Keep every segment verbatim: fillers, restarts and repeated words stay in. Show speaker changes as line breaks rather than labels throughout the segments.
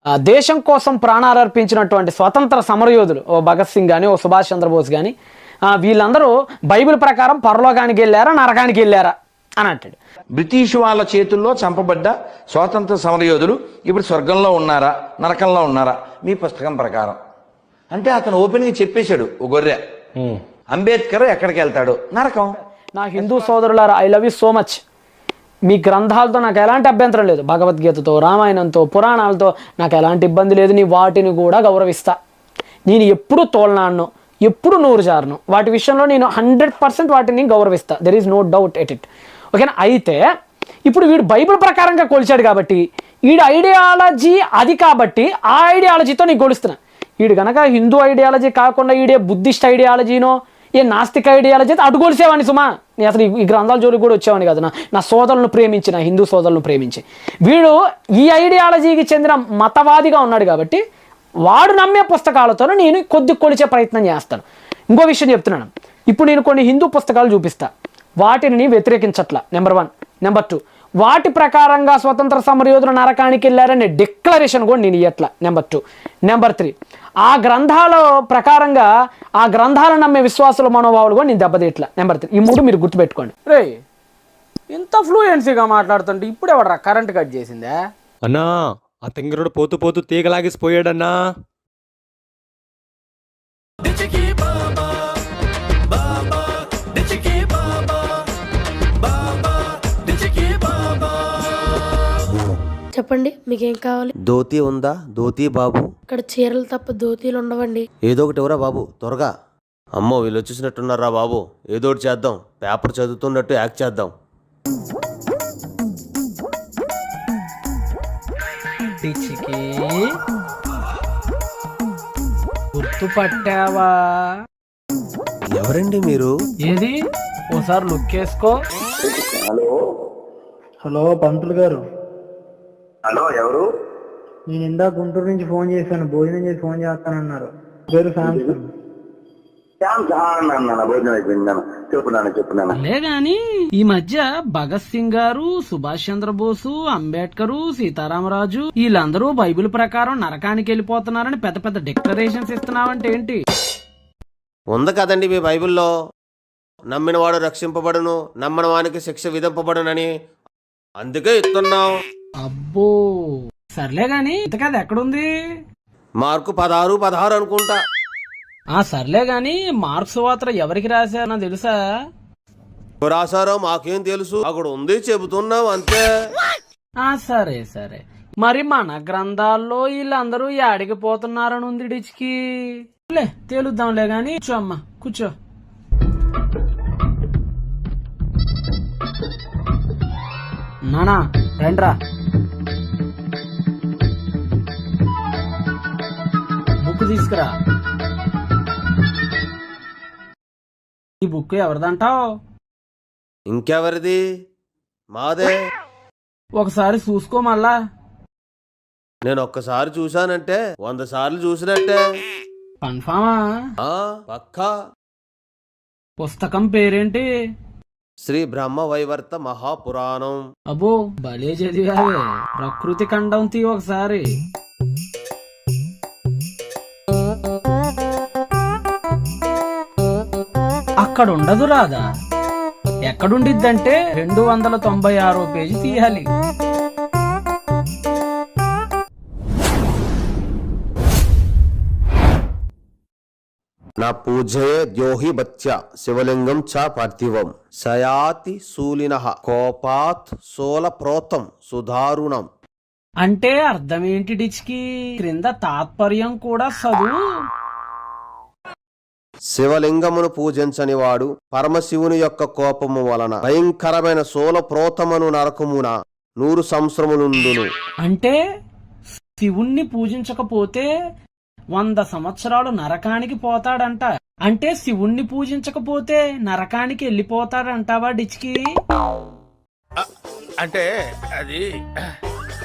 దేశం కోసం ప్రాణాలు అర్పించినటువంటి స్వతంత్ర సమరయోధులు ఓ భగత్ సింగ్ కానీ ఓ సుభాష్ చంద్రబోస్ కానీ వీళ్ళందరూ బైబిల్ ప్రకారం పరలోకానికి వెళ్ళారా నరకానికి వెళ్ళారా అని అంటాడు.
బ్రిటిష్ వాళ్ళ చేతుల్లో చంపబడ్డ స్వాతంత్ర సమరయోధులు ఇప్పుడు స్వర్గంలో ఉన్నారా నరకంలో ఉన్నారా మీ పుస్తకం ప్రకారం అంటే అతను ఓపెన్గా చెప్పేశాడు. ఓ గొర్రె అంబేద్కర్ ఎక్కడికి వెళ్తాడు? నరకం.
నా హిందూ సోదరులారా, I love you so much. మీ గ్రంథాలతో నాకు ఎలాంటి అభ్యంతరం లేదు, భగవద్గీతతో రామాయణంతో పురాణాలతో నాకు ఎలాంటి ఇబ్బంది లేదు. నీ వాటిని కూడా గౌరవిస్తా. నేను ఎప్పుడు తోలనాను, ఎప్పుడు నూరు జారును, వాటి విషయంలో నేను హండ్రెడ్ పర్సెంట్ వాటిని గౌరవిస్తా. There is no doubt at it. ఓకేనా? అయితే ఇప్పుడు వీడు బైబిల్ ప్రకారంగా కొలిచాడు కాబట్టి వీడి ఐడియాలజీ అది కాబట్టి ఆ ఐడియాలజీతో నీకు కొలుస్తున్నా. వీడు కనుక హిందూ ఐడియాలజీ కాకుండా వీడే బుద్ధిస్ట్ ఐడియాలజీనో ఏ నాస్తిక ఐడియాలజీ అయితే అటు కొలిసేవాడిని సుమా. నేను అసలు ఈ గ్రంథాల జోలికి కూడా వచ్చేవాడిని కదా. నా సోదరులను ప్రేమించి, నా హిందూ సోదరులను ప్రేమించి. వీడు ఈ ఐడియాలజీకి చెందిన మతవాదిగా ఉన్నాడు కాబట్టి వాడు నమ్మే పుస్తకాలతో నేను కొద్ది కొలిచే ప్రయత్నం చేస్తాను. ఇంకో విషయం చెప్తున్నాను. ఇప్పుడు నేను కొన్ని హిందూ పుస్తకాలు చూపిస్తా, వాటిని వ్యతిరేకించట్లా. Number one. నెంబర్ టూ, వాటి ప్రకారంగా స్వతంత్ర సమరయోధులు నరకానికి వెళ్ళారనే డిక్లరేషన్ కూడా నేను ఇవ్వట్లా. Number two. నెంబర్ త్రీ, ఆ గ్రంథాల ప్రకారంగా ఆ గ్రంథాలను నమ్మే విశ్వాసుల మనోభావాలు కూడా నేను దెబ్బతీయట్లా. Number three. ఈ మూడు మీరు గుర్తుపెట్టుకోండి. రే, ఇంత ఫ్లూయెన్సీగా మాట్లాడుతుంటే ఇప్పుడు ఎవడరా కరెంట్ కట్ చేసిందే?
అన్నా, ఆ తింగరుడు పోతూ పోతూ తీగలాగేసిపోయాడన్నా.
చెప్పండి, మీకేం కావాలి?
ధోతి ఉందా? ధోతి బాబు.
ఇక్కడ చీరలు తప్ప ధోతీలు ఉండవండి.
ఏదో ఒకటి ఎవరా బాబు, త్వరగా. అమ్మో, వీళ్ళు వచ్చేసినట్టున్నారా బాబు. ఏదో ఒకటి చేద్దాం. పేపర్ చదువుతున్నట్టు యాక్ట్ చేద్దాం.
గుర్తుపట్టావా?
ఎవరండి మీరు?
ఏది ఓసారి లుక్ వేసుకో.
హలో
హలో పంతులు గారు.
హలో, ఎవరు?
నేను ఇందా గుంటూరు నుంచి ఫోన్ చేశాను, భోజనం చేసి ఫోన్ చేస్తానన్నారు. పేరు శాంసంగ్.
భోజనం అయిపోయింది. చెప్పున్నాను చెప్పున్నాను
అలే గాని ఈ మధ్య భగత్ సింగ్ గారు, సుభాష్ చంద్రబోసు, అంబేద్కర్, సీతారామరాజు వీళ్ళందరూ బైబిల్ ప్రకారం నరకానికి వెళ్ళిపోతున్నారని పెద్ద పెద్ద డిక్లరేషన్స్ ఇస్తున్నావంటే ఏంటి?
ఉంది కదండి మీ బైబిల్లో, నమ్మినవాడు రక్షింపబడును, నమ్మని వానికి శిక్ష విధింపబడునని. అందుకే ఇస్తున్నాం.
అబ్బో, సర్లే గాని ఇంతకది ఎక్కడుంది?
మార్కు పదహారు పదహారు అనుకుంటా.
ఆ సర్లే గాని మార్క్స్ వార్త ఎవరికి రాశారో తెలుసా?
రాశారో మాకేం తెలుసు, అక్కడ ఉంది చెబుతున్నాం అంతే.
ఆ సరే సరే, మరి మన గ్రంథాల్లో వీళ్ళందరూ యాడికి పోతున్నారని ఉంది డిచ్కి. లే తేలుద్దాంలే గాని. కూర్చో అమ్మా, కూర్చో. నానా రండ్రా. బుక్ తీసుకురా. ఈ బుక్ ఎవరిదంటావు?
ఇంకెవరిది? మాదే.
ఒకసారి చూసుకో మళ్ళా.
నేను ఒక్కసారి చూశానంటే వంద సార్లు చూసినట్టే.
కన్ఫామా?
పక్కా.
పుస్తకం పేరేంటి?
శ్రీ బ్రహ్మ వైవర్త మహాపురాణం.
అబ్బో, భలే చదివావే. ప్రకృతి ఖండం తీ ఒకసారి. అక్కడ ఉండదు రాదా? ఎక్కడుండిద్దంటే రెండు వందల తొంభై ఆరో పేజీ తీయాలి.
నా పూజయే ద్యోహి బత్య శివలింగం చ పార్థివం సయాతి శూలినః కోపాత్ సోల ప్రోతం సుధారుణం.
అంటే అర్థం ఏంటి డిచ్కి? క్రింద తాత్పర్యం కూడా చదువు.
శివలింగమును పూజించని వాడు పరమశివుని యొక్క కోపము వలన భయంకరమైన సోల ప్రోతమను నరకమున నూరు సంవత్సరములుండును.
అంటే శివుణ్ణి పూజించకపోతే వంద సంవత్సరాలు నరకానికి పోతాడంట. అంటే శివుణ్ణి పూజించకపోతే నరకానికి వెళ్ళిపోతాడంటావా డిచ్కి?
అంటే అది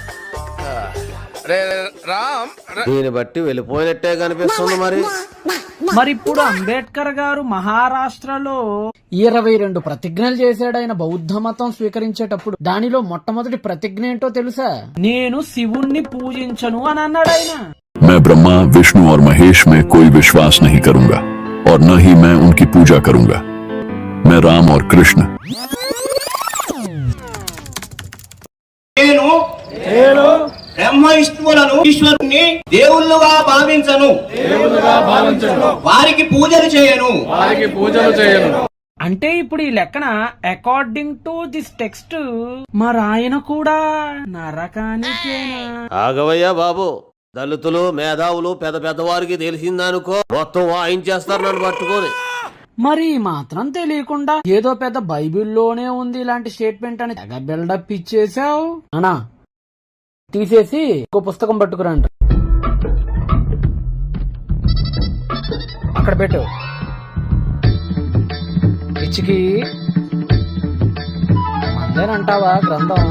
రామ్.
దీన్ని బట్టి వెళ్ళిపోయినట్టే కనిపిస్తుంది మరి.
మరి ఇప్పుడు అంబేద్కర్ గారు మహారాష్ట్రలో ఇరవై రెండు ప్రతిజ్ఞలు చేశాడు ఆయన బౌద్ధ మతం స్వీకరించేటప్పుడు. దానిలో మొట్టమొదటి ప్రతిజ్ఞ ఏంటో తెలుసా? నేను శివుణ్ణి పూజించను అని అన్నాడు ఆయన.
मैं ब्रह्मा विष्णु और महेश में कोई विश्वास नहीं करूंगा और न ही मैं उनकी पूजा करूंगा. मैं राम और कृष्ण
నేను బ్రహ్మ విష్ణువులను ఈశ్వరుణ్ణి దేవుళ్ళుగా భావించను వారికి పూజలు చేయను
అంటే ఇప్పుడు ఈ లెక్కన అకార్డింగ్ టు దిస్ టెక్స్ట్ మరి ఆయన కూడా నరకానికేనా?
ఆగవయ్యా బాబు, దళితులు మేధావులు పెద్ద పెద్దవారికి తెలిసిందనుకో మొత్తం వాయించేస్తారు నన్ను పట్టుకొని.
మరి మాత్రం తెలియకుండా ఏదో పెద్ద బైబిల్లోనే ఉంది ఇలాంటి స్టేట్మెంట్ అని తెగ బిల్డప్ ఇచ్చేసావు అనా. తీసేసి ఇంకో పుస్తకం పట్టుకురంట, అక్కడ పెట్టు. పిచ్చికి మందేనంటావా గ్రంథం?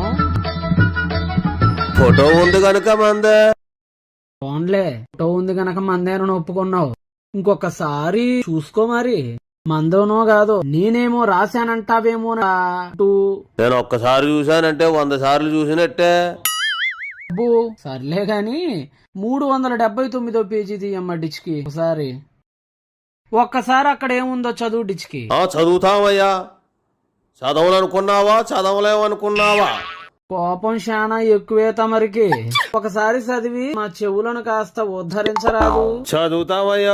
ఫోటో ఉంది కనుక మందే.
ఫోన్లే ఫోటో ఉంది గనక మందేనని ఒప్పుకున్నావు. ఇంకొకసారి చూసుకో మరి, మందోనో కాదో. నేనేమో రాశానంటావేమో.
నేను ఒక్కసారి చూశానంటే వంద సార్లు చూసినట్టే.
అబ్బో సర్లే గాని మూడు వందల డెబ్బై తొమ్మిదో పేజీ తీయమ్మ డిచ్కి ఒకసారి. ఒక్కసారి అక్కడ ఏముందో చదువు డిచ్కి.
ఆ చదువుతామయ్యా. చదవలనుకున్నావా చదవలేమనుకున్నావా?
కోపం శానా ఎక్కువే తమరికి. ఒకసారి చదివి మా చెవులను కాస్త ఉద్ధరించరాదు?
చదువుతామయ్యా.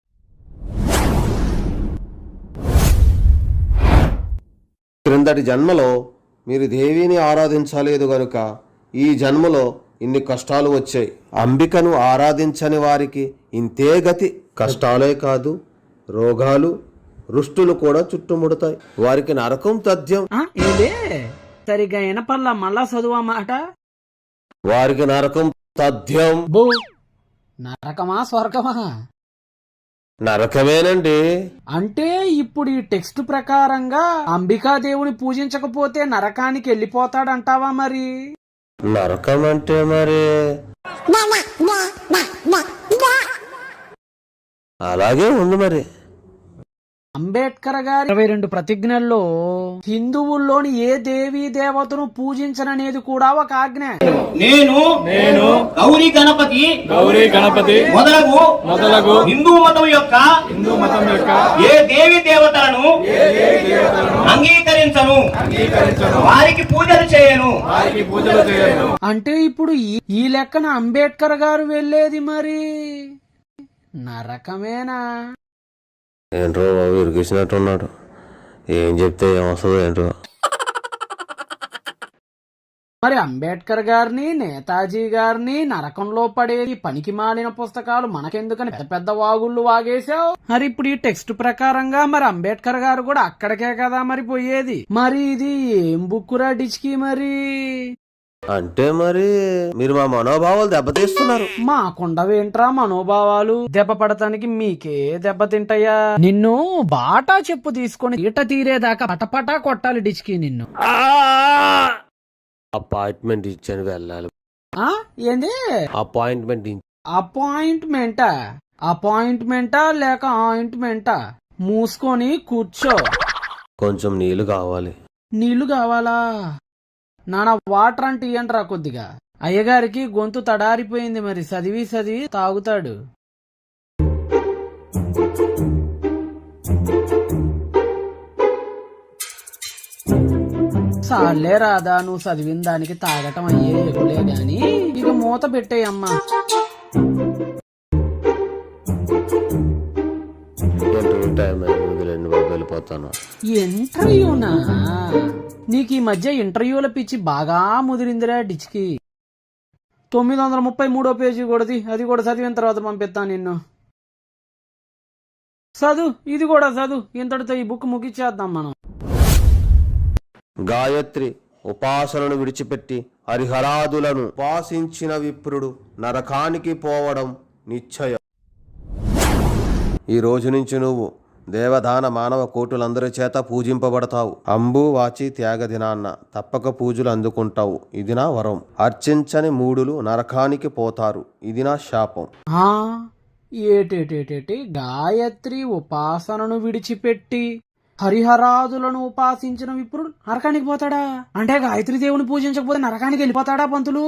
క్రిందటి జన్మలో మీరు దేవిని ఆరాధించలేదు గనుక ఈ జన్మలో ఇన్ని కష్టాలు వచ్చాయి. అంబికను ఆరాధించని వారికి ఇంతే గతి. కష్టాలే కాదు, రోగాలు రుష్టులు కూడా చుట్టుముడతాయి. వారికి నరకం తథ్యం.
ఏదే సరిగా వినపల్లా, మళ్ళా చదువా మాట.
వారికి నరకం తథ్యం.
బో నరకమా స్వర్గమా?
నరకమేనండి.
అంటే ఇప్పుడు ఈ టెక్స్ట్ ప్రకారంగా అంబికాదేవుని పూజించకపోతే నరకానికి వెళ్ళిపోతాడంటావా మరి?
నరకం అంటే మరి అలాగే ఉంది మరి.
అంబేద్కర్ గారి ఇరవై రెండు ప్రతిజ్ఞల్లో హిందువుల్లోని ఏ దేవీ దేవతను పూజించననేది కూడా ఒక ఆజ్ఞ.
నేను నేను గౌరీ గణపతి గౌరీ గణపతి మొదలగు మొదలగు హిందూ మతం యొక్క హిందూ మతం యొక్క ఏ దేవి దేవతలను అంగీకరించను వారికి పూజలు చేయను వారికి పూజలు చేయను.
అంటే ఇప్పుడు ఈ- ఈ లెక్కన అంబేద్కర్ గారు వెళ్ళేది మరి నరకమేనా?
ఏంట్రో బాబు ఇరికిచ్చినట్టున్నాడు. ఏం చెప్తే ఏమొస్తుందో ఏంటో.
మరి అంబేద్కర్ గారిని నేతాజీ గారిని నరకంలో పడేది పనికి మాలిన పుస్తకాలు మనకెందుకని పెద్ద పెద్ద వాగుళ్ళు వాగేశావు. మరి ఇప్పుడు ఈ టెక్స్ట్ ప్రకారంగా మరి అంబేద్కర్ గారు కూడా అక్కడికే కదా మరి పోయేది. మరి ఇది ఏం బుక్కురా డిచ్కి మరి?
అంటే మరి మీరు మా మనోభావాలు దెబ్బతీస్తున్నారు.
మాకుండవేంట్రా మనోభావాలు? దెబ్బ పడటానికి మీకే దెబ్బ తింటాయా? నిన్ను బాటా చెప్పు తీసుకొని ఈట తీరేదాకా పటపటా కొట్టాలి డిచ్కి నిన్ను.
అపాయింట్మెంట్ ఇచ్చాను వెళ్ళాలి.
ఆ ఏంది
అపాయింట్మెంట్
అపాయింట్మెంటా? అపాయింట్మెంటా లేక ఆయింట్మెంటా? మూసుకొని కూర్చో.
కొంచెం నీళ్లు కావాలి.
నీళ్లు కావాలా? నానా వాటర్ అంటే ఇయ్యంట్రా కొద్దిగా. అయ్యగారికి గొంతు తడారిపోయింది మరి చదివి చదివి తాగుతాడు. సాలే రాదా, నువ్వు చదివిన దానికి తాగటం అయ్యే ఎగులే గాని ఇక మూత పెట్టేయమ్మా.
ఇంటర్వ్యూ టైం వదిలేండి బాబు, వెళ్ళిపోతాను.
ఇంటర్వ్యూనా? నీకు ఈ మధ్య ఇంటర్వ్యూల పిచ్చి బాగా ముదిరిందిరా డిచ్కి. తొమ్మిది వందల ముప్పై మూడో పేజీ కూడాది, అది కూడా చదివిన తర్వాత పంపిస్తాను నిన్ను. చదువు, ఇది కూడా చదువు. ఇంతటితో ఈ బుక్ ముగిచ్చేద్దాం మనం.
గాయత్రి ఉపాసనను విడిచిపెట్టి హరిహరాదులను ఉపాసించిన విప్రుడు నరకానికి పోవడం నిశ్చయం. ఈ రోజు నుంచి నువ్వు దేవదాన మానవ కోటులందరి చేత పూజింపబడతావు. అంబు వాచి త్యాగ దినాన్న తప్పక పూజలు అందుకుంటావు. ఇది నా వరం. అర్చించని మూడులు నరకానికి పోతారు. ఇది నా శాపం.
ఆ ఏటేటేటేటి గాయత్రి ఉపాసనను విడిచిపెట్టి హరిహరాదులను ఉపాసించిన విప్రుడు నరకానికి పోతాడా? అంటే గాయత్రి దేవుని పూజించకపోతే నరకానికి వెళ్ళిపోతాడా పంతులు?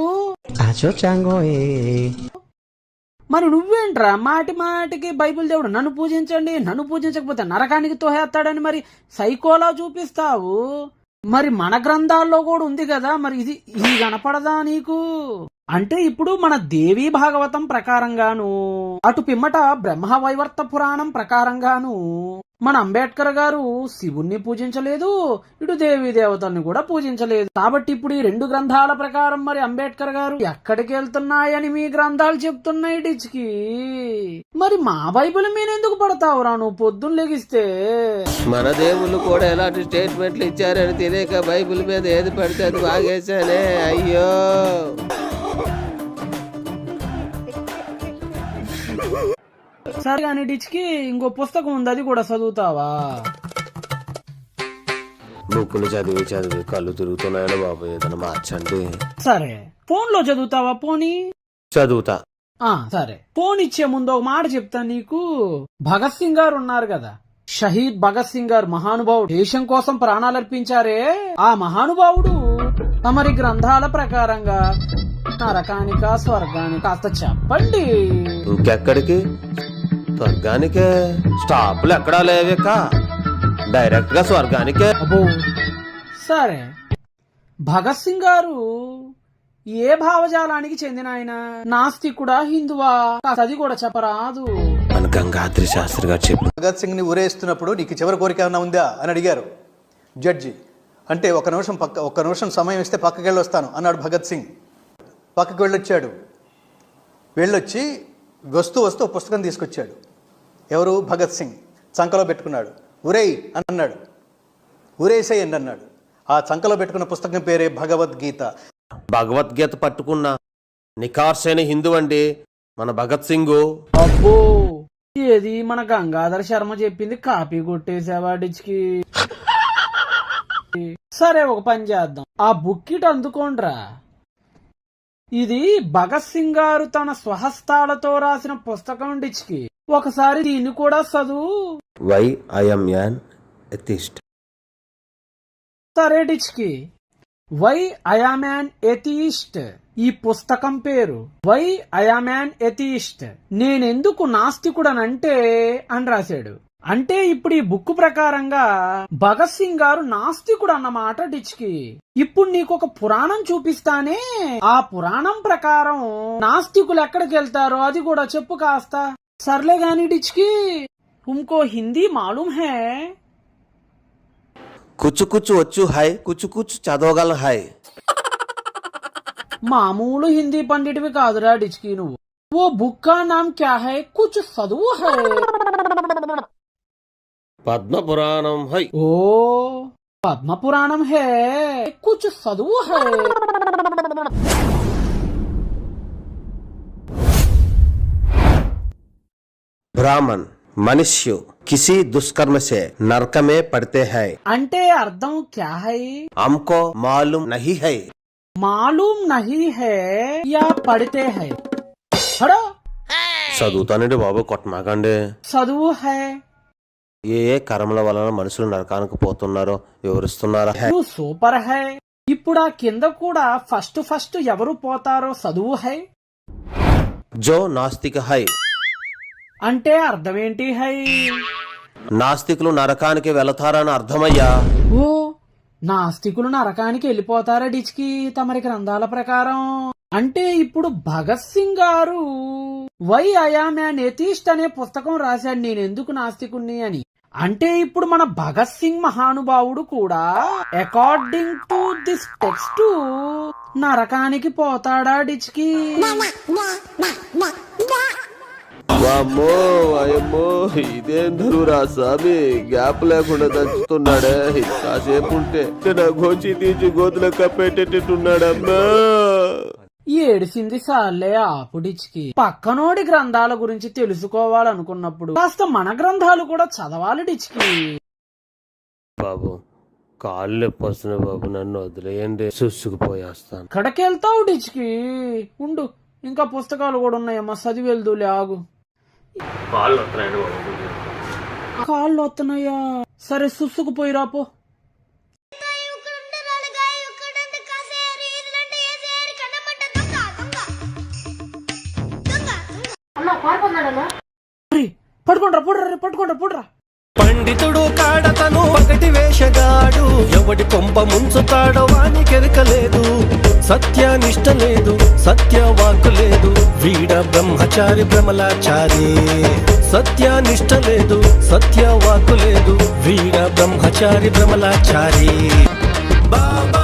మరి నువ్వేంట్రా మాటి మాటికి బైబిల్ దేవుడు నన్ను పూజించండి, నన్ను పూజించకపోతే నరకానికి తోహేస్తాడని మరి సైకోలా చూపిస్తావు? మరి మన గ్రంథాల్లో కూడా ఉంది కదా, మరి ఇది ఇది కనపడదా నీకు? అంటే ఇప్పుడు మన దేవీ భాగవతం ప్రకారంగాను, అటు పిమ్మట బ్రహ్మ వైవర్త పురాణం ప్రకారంగాను మన అంబేద్కర్ గారు శివుణ్ణి పూజించలేదు, ఇటు దేవీ దేవతల్ని కూడా పూజించలేదు. కాబట్టి ఇప్పుడు ఈ రెండు గ్రంథాల ప్రకారం మరి అంబేద్కర్ గారు ఎక్కడికి వెళ్తున్నాయని మీ గ్రంథాలు చెప్తున్నాయి డిచ్కి. మరి మా బైబిల్ మీద ఎందుకు పడతావురా నువ్వు పొద్దున్న లెగిస్తే?
మన దేవుళ్ళు కూడా ఎలాంటి స్టేట్మెంట్లు ఇచ్చారని తెలియక బైబిల్ మీద ఏది పడితే అది వాగేశానే. అయ్యో
సరే కానీ డిచ్కి ఇంకో పుస్తకం ఉంది, అది కూడా చదువుతావా?
బుక్కులు చదివి చదివి కళ్ళు తిరుగుతున్నాయని బాబు, ఏదైనా మార్చండి.
సరే ఫోన్ లో చదువుతావా? పోనీ
చదువుతా.
ఆ సరే, ఫోన్ ఇచ్చే ముందు ఒక మాట చెప్తాను నీకు. భగత్ సింగ్ గారు ఉన్నారు కదా, షహీద్ భగత్ సింగ్ గారు మహానుభావుడు, దేశం కోసం ప్రాణాలర్పించారే, ఆ మహానుభావుడు తమరి గ్రంథాల ప్రకారంగా నరకానిక స్వర్గానిక కాస్త చెప్పండి.
ఇంకెక్కడికి? స్వర్గానికే. స్టాపులు ఎక్కడా లేవేక, డైరెక్ట్ గా స్వర్గానికే.
అబ్బో సరే, భగత్ సింగ్ గారు ఏ భావజాలానికి చెందిన ఆయన? నాస్తికుడా, హిందువా? అది కూడా చెప్పరాదు?
మన గంగాద్రి శాస్త్రి గారు చెప్పు.
భగత్ సింగ్ ని ఊరేస్తున్నప్పుడు నీకు చివరి కోరిక ఏమైనా ఉందా అని అడిగారు జడ్జి. అంటే ఒక నిమిషం పక్క ఒక్క నిమిషం సమయం ఇస్తే పక్కకి వెళ్ళి వస్తాను అన్నాడు భగత్ సింగ్. పక్కకి వెళ్ళొచ్చాడు. వెళ్ళొచ్చి వస్తూ వస్తూ పుస్తకం తీసుకొచ్చాడు. ఎవరు? భగత్ సింగ్. చంకలో పెట్టుకున్నాడు. ఉరేయ్ అని అన్నాడు. ఉరేసేయండి అన్నాడు. ఆ చంకలో పెట్టుకున్న పుస్తకం పేరే భగవద్గీత.
భగవద్గీత పట్టుకున్న నికార్సైన హిందూ అండి మన భగత్ సింగ్.
అబ్బో, ఏది మన గంగాధర్ శర్మ చెప్పింది కాపీ కొట్టేసావాడికి. సరే ఒక పని చేద్దాం, ఆ బుక్ ఇటు అందుకోండ్రా. ఇది భగత్ సింగ్ గారు తన స్వహస్తాలతో రాసిన పుస్తకం డిచ్కి. ఒకసారి దీన్ని కూడా చదువు.
Why I'm an atheist.
సరే డిచ్కి, వై ఐఆమ్ యాన్ ఎథిస్ట్ ఈ పుస్తకం పేరు. వై ఐఆమ్ యాన్ ఎథిస్ట్, నేనెందుకు నాస్తికుడనంటే అని రాశాడు. అంటే ఇప్పుడు ఈ బుక్ ప్రకారంగా భగత్ సింగ్ గారు నాస్తికుడు అన్నమాట డిచ్కి. ఇప్పుడు నీకు ఒక పురాణం చూపిస్తానే, ఆ పురాణం ప్రకారం నాస్తికులు ఎక్కడికి వెళ్తారో అది కూడా చెప్పు కాస్త. సర్లే గాని డిచ్కి, తుమ్కో హిందీ మాలూమ్ హై?
కుచ్చు కుచ్చు వచ్చు హై, కుచ్చు కుచ్చు చదవగల హై.
మామూలు హిందీ పండిటివి కాదురా డిచ్కి నువ్వు. ఓ బుక్ కా నామ్ క్యా హై? కుచ్ చదువు హై.
పద్మ పురాణం హై.
ఓ పద్మ పురాణం హే, కుచ్ చదువు హై.
బ్రాహ్మణ్ మనుష్యు కిసి దుష్కర్మ సే నరక మే పడితే హై.
అంటే అర్థం క్యా హై?
हमको मालूम नहीं है.
మాలూమ్ నహీ హై యా పడితే హై? హడో,
చదువుతానండి బాబు, కొట్టమాకండి.
చదువు హై.
ఏ ఏ కర్మల వలన మనుషులు నరకానికి పోతున్నారో వివరిస్తున్నారా?
నువ్వు సూపర్ హై. ఇప్పుడు ఆ కింద కూడా ఫస్ట్ ఫస్ట్ ఎవరు పోతారో చదువు హై.
జో నాస్తిక హై.
అంటే అర్థమేంటి హై?
నాస్తికులు నరకానికి వెళతారని అర్థమయ్యా.
ఓ, నాస్తికులు నరకానికి వెళ్ళిపోతారా డిచ్కి తమరి గ్రంథాల ప్రకారం? అంటే ఇప్పుడు భగత్ సింగ్ గారు వై ఐఆమ్ యాన్ ఎథిస్ట్ అనే పుస్తకం రాశాడు, నేనెందుకు నాస్తికుణ్ణి అని. అంటే ఇప్పుడు మన భగత్ సింగ్ మహానుభావుడు కూడా అకార్డింగ్ టు దిస్ టెక్స్ట్ నరకానికి పోతాడా డిచ్కి?
వామ్మో వాయమ్మో, ఇదేం ధరువురా స్వామి, గ్యాప్ లేకుండా దంచుతున్నాడే. కాసేపు ఉంటే నా గోచి తీసి గోతులో కప్పేటట్టున్నాడమ్మా.
ఏడిసింది సార్లే ఆపుడిచ్కి. పక్కనోడి గ్రంథాల గురించి తెలుసుకోవాలనుకున్నప్పుడు కాస్త మన గ్రంథాలు కూడా చదవాలి డిచ్కి.
బాబు కాళ్ళు నొప్పి వస్తున్నాయి బాబు, నన్ను వదిలేయండి, సుసుకుపోయేస్తాను.
ఎక్కడికెళ్తావు డిచ్కి? ఉండు, ఇంకా పుస్తకాలు కూడా ఉన్నాయమ్మా, చదివి వెళ్దూలే ఆగు. కాళ్ళు వస్తున్నాయా? సరే సుసుకుపోయి రాపో. పట్టుకుంటారా పుడ్రా పట్టుకుంటారా పుడ్రా.
పండితుడు కాడతను ఒకటి వేషగాడు, ఎవడి కొంప ముంచుతాడో వాని కెరకలేదు. సత్యానిష్ట లేదు, సత్యవాక్కు లేదు, వీడ బ్రహ్మచారి భ్రమలాచారి. సత్యానిష్ట లేదు, సత్యవాక్కు లేదు, వీడ బ్రహ్మచారి భ్రమలాచారి. బాబా